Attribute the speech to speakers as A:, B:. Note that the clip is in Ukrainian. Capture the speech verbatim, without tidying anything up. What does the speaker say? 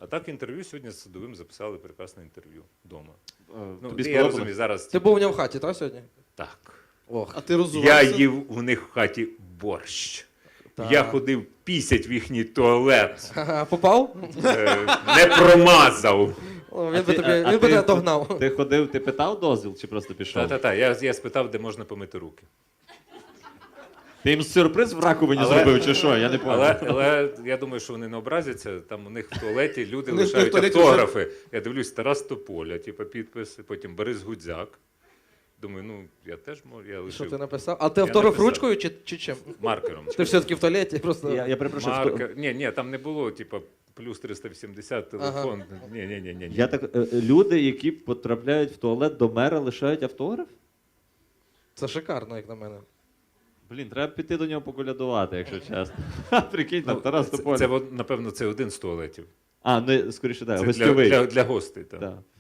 A: А так інтерв'ю сьогодні з Садовим записали прекрасне інтерв'ю вдома.
B: Е,
A: Ну,
B: Тобі
A: я
B: сподобалось?
A: розумію, зараз...
C: Ти був у нього в хаті, так, сьогодні?
A: Так.
C: Ох.
D: А ти
A: Я
D: розувався?
A: їв у них в хаті борщ.
C: Так.
A: Я ходив пісять в їхній туалет.
C: Ага, попав?
A: Е, Не промазав.
C: О,
B: А
C: він би
B: ти-
C: тобі,
B: а- а
C: він би
B: ти-
C: тебе догнав.
B: Ти ходив, ти питав дозвіл чи просто пішов?
A: Та-та-та, я, я спитав, де можна помити руки.
B: Ти їм сюрприз в раковині
A: Але-
B: зробив чи що? Я не
A: Але,
B: пам'ятаю.
A: але я думаю, що вони не образяться. Там у них в туалеті люди
D: У них в
A: лишають
D: туалеті
A: автографи. Я дивлюсь, Тарас Тополя, типу, підписи, потім Борис Гудзяк. Думаю, ну я теж можу, я
C: Що
A: лишив
C: ти написав? А ти
A: Я
C: автограф
A: написав.
C: ручкою чи, чи чим?
A: маркером.
C: Ти все-таки в туалеті просто.
B: Я, я перепрошую. хто-
A: Маркер. Ні, ні, там не було, типу, плюс триста вісімдесят телефон. Ні, ні, ні, ні.
B: Я так, е, е, люди, які потрапляють в туалет до мера, лишають автограф?
C: Це шикарно, як на мене.
B: Блін, треба піти до нього поколядувати, якщо чесно. Ха, Прикинь, там Тарас
A: це,
B: Тополя.
A: це, напевно, це один з туалетів.
B: А, ну скоріше, так,
A: Це для,
B: гостьовий.
A: для, для гостей. Так.
B: Так.